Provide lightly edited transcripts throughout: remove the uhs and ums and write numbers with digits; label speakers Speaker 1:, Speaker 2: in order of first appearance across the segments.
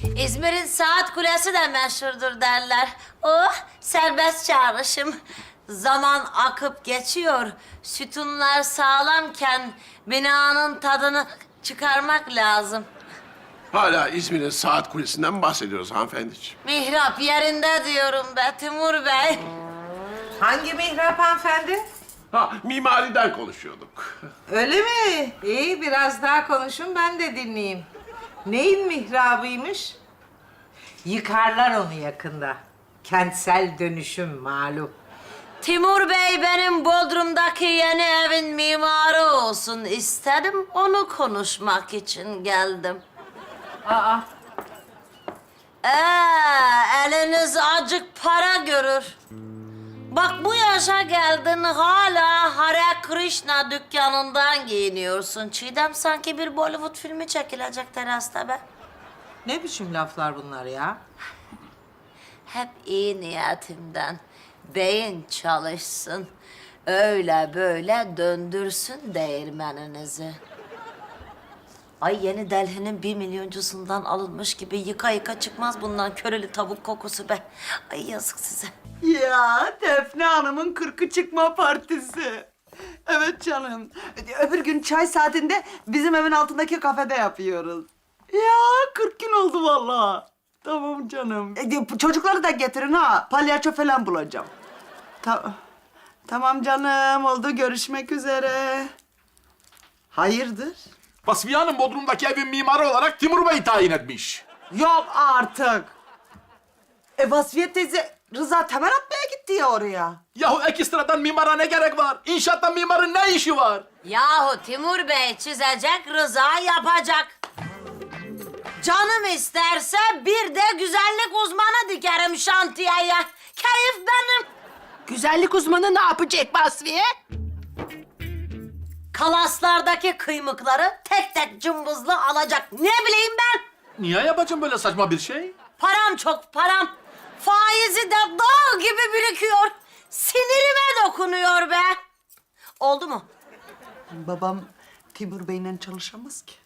Speaker 1: İzmir'in saat kulesi de meşhurdur derler. Oh, serbest çağrışım. Zaman akıp geçiyor. Sütunlar sağlamken binanın tadını çıkarmak lazım.
Speaker 2: Hala İzmir'in saat kulesinden bahsediyoruz hanımefendiciğim.
Speaker 1: Mihrap yerinde diyorum be Timur Bey.
Speaker 3: Hangi mihrap hanımefendi?
Speaker 2: Ha, mimariden konuşuyorduk.
Speaker 3: Öyle mi? İyi, biraz daha konuşun, ben de dinleyeyim. Neyin mihrabıymış? Yıkarlar onu yakında. Kentsel dönüşüm malum.
Speaker 1: Timur Bey benim Bodrum'daki yeni evin mimarı olsun istedim. Onu konuşmak için geldim.
Speaker 3: Aa,
Speaker 1: Eliniz acık para görür. Bak bu yaşa geldin hala Hare Krishna dükkanından giyiniyorsun. Çiğdem sanki bir Bollywood filmi çekilecek terasta be.
Speaker 3: ne biçim laflar bunlar ya?
Speaker 1: Hep iyi niyetimden. Beyin çalışsın. Öyle böyle döndürsün değirmeninizi. Ay yeni Delhi'nin 1 milyoncusundan alınmış gibi yıka yıka çıkmaz bundan köreli tavuk kokusu be. Ay yazık size.
Speaker 4: Ya Defne Hanım'ın 40'ı çıkma partisi. Evet canım. Öbür gün çay saatinde bizim evin altındaki kafede yapıyoruz. Ya 40 gün oldu vallahi. Tamam canım. Çocukları da getirin ha. Palyaço falan bulacağım. Tamam canım. Oldu. Görüşmek üzere. Hayırdır?
Speaker 5: Vasfiye Hanım Bodrum'daki evin mimarı olarak Timur Bey'i tayin etmiş.
Speaker 4: Yok artık. Vasfiye teyze Rıza temel atmaya gitti ya oraya.
Speaker 5: Yahu ekstradan mimara ne gerek var? İnşaatta mimarın ne işi var?
Speaker 1: Yahu Timur Bey çizecek, Rıza yapacak. Canım isterse bir de güzellik uzmanı dikerim şantiyeye. Keyif benim.
Speaker 6: Güzellik uzmanı ne yapacak Basriye?
Speaker 1: Kalaslardaki kıymıkları tek tek cımbızlı alacak. Ne bileyim ben?
Speaker 5: Niye yapacağım böyle saçma bir şey?
Speaker 1: Param çok, param. Faizi de dağ gibi birikiyor. Sinirime dokunuyor be. Oldu mu?
Speaker 4: Babam Timur Bey'le çalışamaz ki.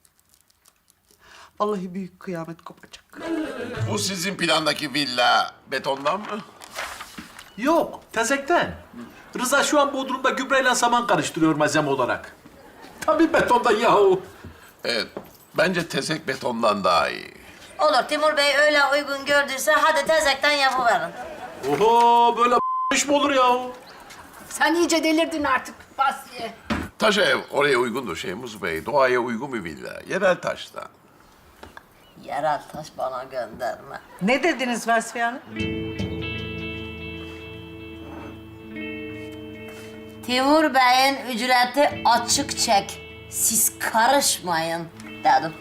Speaker 4: Vallahi büyük kıyamet kopacak.
Speaker 2: Bu sizin plandaki villa betondan mı?
Speaker 5: Yok, tezekten. Rıza şu an Bodrum'da gübreyle saman karıştırıyor malzeme olarak. Tabii betonda yahu.
Speaker 2: Evet, bence tezek betondan daha iyi.
Speaker 1: Olur Timur Bey öyle uygun gördüyse hadi tezekten yapıverin.
Speaker 5: Oho, böyle iş mi olur yahu?
Speaker 6: Sen iyice delirdin artık Basriye.
Speaker 2: Taş ev oraya uygundur Şeyhmuz Bey. Doğaya uygun bir villa. Yerel taştan.
Speaker 1: Yerel taş bana gönderme.
Speaker 3: Ne dediniz Vasfiye Hanım?
Speaker 1: Timur Bey'in ücreti açık çek. Siz karışmayın dedim.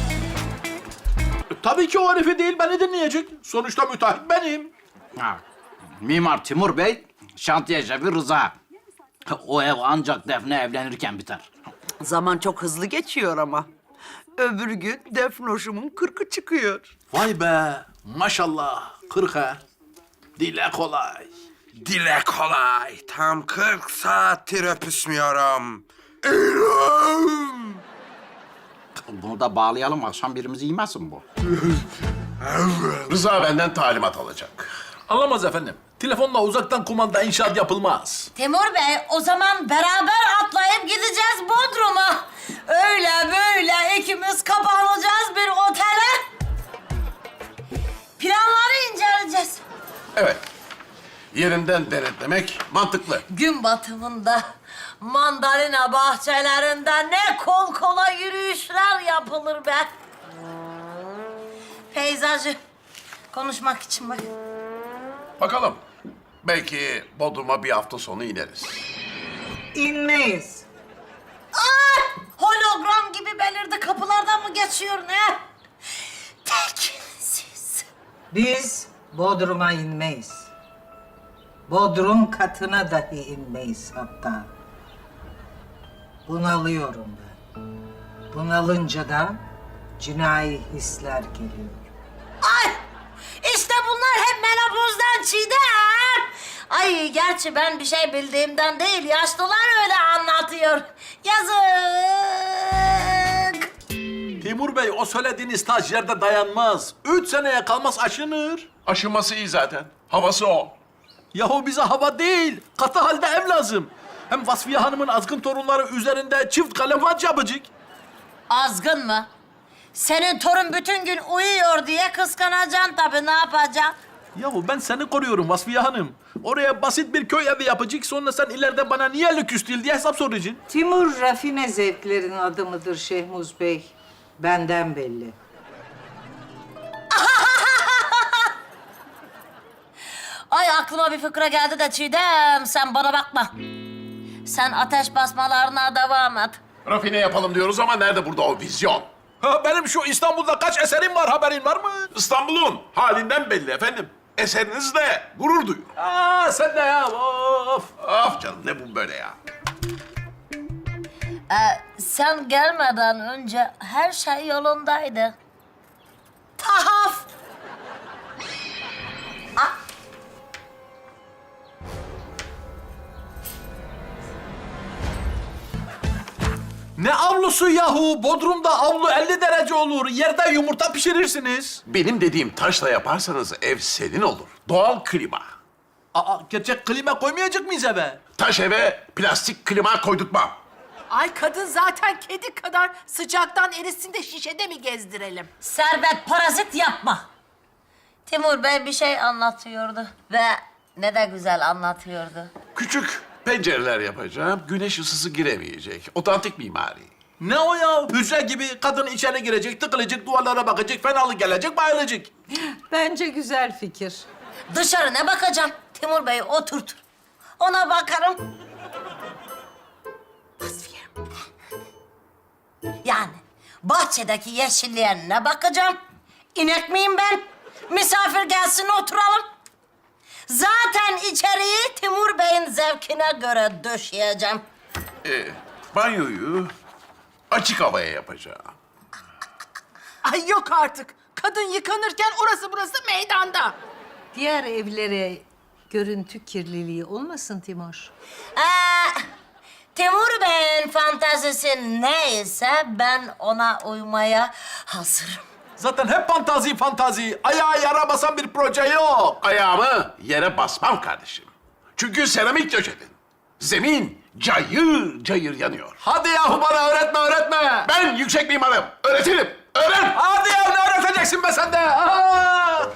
Speaker 5: Tabii ki o herifi değil, beni dinleyecek. Sonuçta müteahhit benim.
Speaker 7: Ha, Mimar Timur Bey, şantiye şefi Rıza. O ev ancak Defne evlenirken biter.
Speaker 4: Zaman çok hızlı geçiyor ama. Öbür gün Defnoş'umun 40'ı çıkıyor.
Speaker 5: Vay be, maşallah. 40 ha. Dile kolay.
Speaker 8: Dile kolay. Tam 40 saattir öpüşmüyorum.
Speaker 7: Bunu da bağlayalım, akşam birimizi yemesin bu.
Speaker 2: Rıza benden talimat alacak.
Speaker 5: Anlamaz efendim. Telefonla uzaktan kumanda inşaat yapılmaz.
Speaker 1: Timur Bey o zaman beraber atlayıp gideceğiz Bodrum'a. Öyle böyle ikimiz kapanacağız bir otele. Planları inceleyeceğiz.
Speaker 2: Evet, yerinden denetlemek mantıklı.
Speaker 1: Gün batımında mandalina bahçelerinde ne kol kola yürüyüşler yapılır be. Peyzajı konuşmak için bak.
Speaker 2: Bakalım, belki Bodrum'a bir hafta sonu ineriz.
Speaker 3: İnmeyiz.
Speaker 1: Hologram gibi belirdi kapılardan mı geçiyor ne? Tekinsiz.
Speaker 3: Biz Bodrum'a inmeyiz. Bodrum katına dahi inmeyiz hatta. Bunalıyorum ben. Bunalınca da cinayi hisler geliyor.
Speaker 1: Ay! İşte bunlar hep menopozdan Çiğdem. Ay gerçi ben bir şey bildiğimden değil, yaşlılar öyle anlatıyor. Yazık.
Speaker 5: Timur Bey, o söylediğiniz staj yerde dayanmaz. 3 seneye kalmaz aşınır.
Speaker 2: Aşıması iyi zaten. Havası o.
Speaker 5: Yahu bize hava değil, katı halde ev lazım. Hem Vasfiye Hanım'ın azgın torunları üzerinde çift kalem vaç yapacak.
Speaker 1: Azgın mı? Senin torun bütün gün uyuyor diye kıskanacaksın tabii, ne yapacaksın?
Speaker 5: Yahu ben seni koruyorum Vasfiye Hanım. Oraya basit bir köy evi yapacak, sonra sen ileride bana niye lüküs değil diye hesap soracaksın.
Speaker 3: Timur rafine zevklerin adamıdır Şehmuz Bey. Benden belli.
Speaker 1: Ay aklıma bir fıkra geldi de Çiğdem, sen bana bakma. Sen ateş basmalarına devam et.
Speaker 2: Rafine yapalım diyoruz ama nerede burada o vizyon?
Speaker 5: Ha, benim şu İstanbul'da kaç eserim var, haberin var mı?
Speaker 2: İstanbul'un halinden belli efendim. Eserinizle gurur duyuyorum.
Speaker 5: Aa, sen de ya, of.
Speaker 2: Af canım, ne bu böyle ya?
Speaker 1: Sen gelmeden önce her şey yolundaydı. Tahaf!
Speaker 5: Ne avlusu yahu? Bodrum'da avlu 50 derece olur. Yerde yumurta pişirirsiniz.
Speaker 2: Benim dediğim taşla yaparsanız ev senin olur. Doğal klima.
Speaker 5: Aa, gerçek klima koymayacak mıyız eve?
Speaker 2: Taş eve plastik klima koydurtmam.
Speaker 6: Ay kadın zaten kedi kadar, sıcaktan erisin de şişede mi gezdirelim?
Speaker 1: Servet, parazit yapma. Timur Bey bir şey anlatıyordu ve ne de güzel anlatıyordu.
Speaker 2: Küçük pencereler yapacağım. Güneş ısısı giremeyecek. Otantik mimari.
Speaker 5: Ne o ya? Hücre gibi kadın içeri girecek, tıkılacak, duvarlara bakacak, fenalık gelecek, bayılacak.
Speaker 3: Bence güzel fikir.
Speaker 1: Dışarı ne bakacağım? Timur Bey oturt. Ona bakarım. Vasfiye. Yani bahçedeki yeşilliğe ne bakacağım? İnek miyim ben? Misafir gelsin oturalım. Zaten içeriği Timur Bey'in zevkine göre döşeyeceğim.
Speaker 2: Banyoyu açık havaya yapacağım.
Speaker 6: Ay yok artık. Kadın yıkanırken orası burası meydanda.
Speaker 3: Diğer evlere görüntü kirliliği olmasın Timur.
Speaker 1: Timur Bey'in fantezisi neyse ben ona uymaya hazırım.
Speaker 5: Zaten hep fantazi. Ayağa yara basan bir proje yok.
Speaker 2: Ayağımı yere basmam kardeşim. Çünkü seramik döşedin. Zemin cayır cayır yanıyor.
Speaker 5: Hadi yahu bana öğretme.
Speaker 2: Ben yüksek mimarım. Öğretirim. Öğren.
Speaker 5: Hadi ya, ne öğreteceksin be sen de? Aa!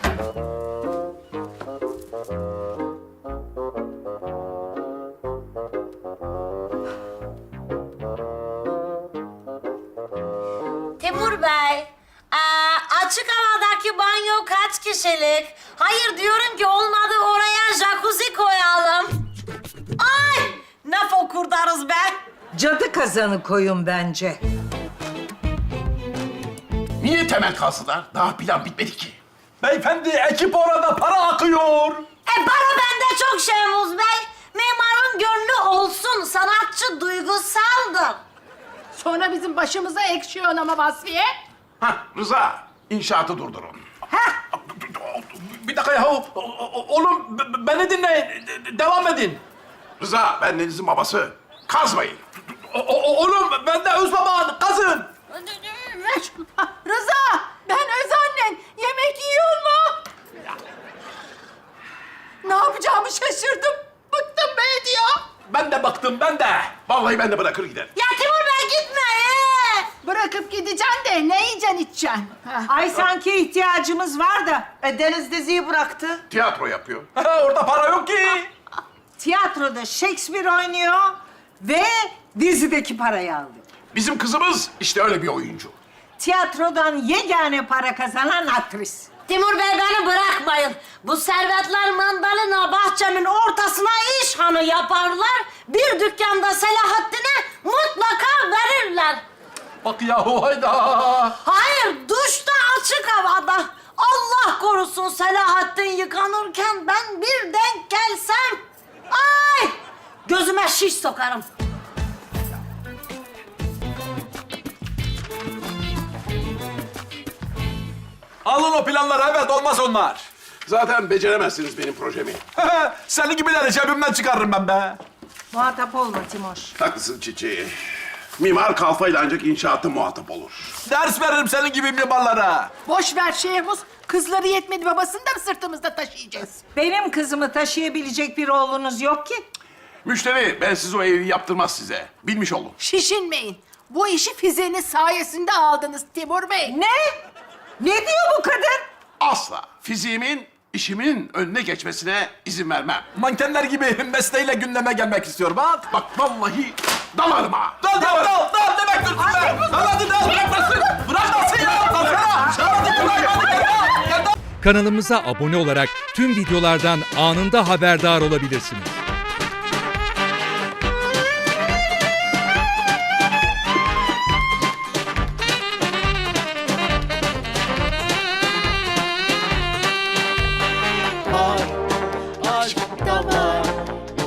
Speaker 1: Timur Bey, açık havadaki banyo kaç kişilik? Hayır diyorum ki olmadı oraya jacuzzi koyalım. Ay ne fokurdarız be.
Speaker 3: Cadı kazanı koyun bence.
Speaker 2: Niye temel kalsınlar? Daha plan bitmedi ki.
Speaker 5: Beyefendi, ekip orada, para akıyor.
Speaker 1: Bana bende çok Şehmuz Bey. Mimarın gönlü olsun, sanatçı duygusaldır.
Speaker 6: Sonra bizim başımıza ekşiyor ama Vasfiye.
Speaker 2: Hah, Rıza, inşaatı durdurun.
Speaker 5: Bir dakika yahu. Oğlum, beni dinleyin. Devam edin.
Speaker 2: Rıza, ben Deniz'in babası. Kazmayın.
Speaker 5: Oğlum, ben de öz baban. Kazın.
Speaker 6: Rıza, ben öz annen. Yemek yiyor mu? Ne yapacağımı şaşırdım. Bıktım be diyor.
Speaker 5: Ben de baktım, ben de.
Speaker 2: Vallahi ben de bırakır giderim.
Speaker 1: Ya Timur Bey gitme.
Speaker 6: Bırakıp gideceksin de ne yiyeceksin içeceksin?
Speaker 3: Ay sanki ihtiyacımız var da.
Speaker 4: Deniz diziyi bıraktı.
Speaker 2: Tiyatro yapıyor.
Speaker 5: Orada para yok ki.
Speaker 3: Tiyatroda Shakespeare oynuyor ve dizideki parayı aldı.
Speaker 2: Bizim kızımız işte öyle bir oyuncu.
Speaker 3: Tiyatrodan yegane para kazanan aktris.
Speaker 1: Timur Bey beni bırakmayın. Bu servetler mandalina bahçemin ortasına işhanı yaparlar. Bir dükkanda Selahattin'e mutlaka verirler.
Speaker 5: Bak yahu, hayda.
Speaker 1: Hayır, duşta açık havada. Allah korusun Selahattin yıkanırken ben bir denk gelsem. Ay! Gözüme şiş sokarım.
Speaker 5: Alın o planları, evet, olmaz onlar.
Speaker 2: Zaten beceremezsiniz benim projemi.
Speaker 5: Senin gibileri cebimden çıkarırım ben be.
Speaker 3: Muhatap olma Timur.
Speaker 2: Haklısın Çiçeği. Mimar kalfayla ancak inşaatta muhatap olur.
Speaker 5: Ders veririm senin gibi mimarlara.
Speaker 6: Boş ver Şehmuz. Kızları yetmedi babasını da mı sırtımızda taşıyacağız?
Speaker 3: Benim kızımı taşıyabilecek bir oğlunuz yok ki.
Speaker 2: Müşteri ben siz o evi yaptırmaz size. Bilmiş olun.
Speaker 6: Şişinmeyin. Bu işi Fize'nin sayesinde aldınız Timur Bey.
Speaker 3: Ne? Ne diyor bu kadın?
Speaker 2: Asla fiziğimin işimin önüne geçmesine izin vermem.
Speaker 5: Mankenler gibi mesleğiyle gündeme gelmek istiyor bak.
Speaker 2: Bak vallahi dalarım ha.
Speaker 5: Dal demek dursun be. Dal hadi dal bırakmasın. Bırakmasın ya. Dalsana. Hadi bırak.
Speaker 9: Kanalımıza abone olarak tüm videolardan anında haberdar olabilirsiniz.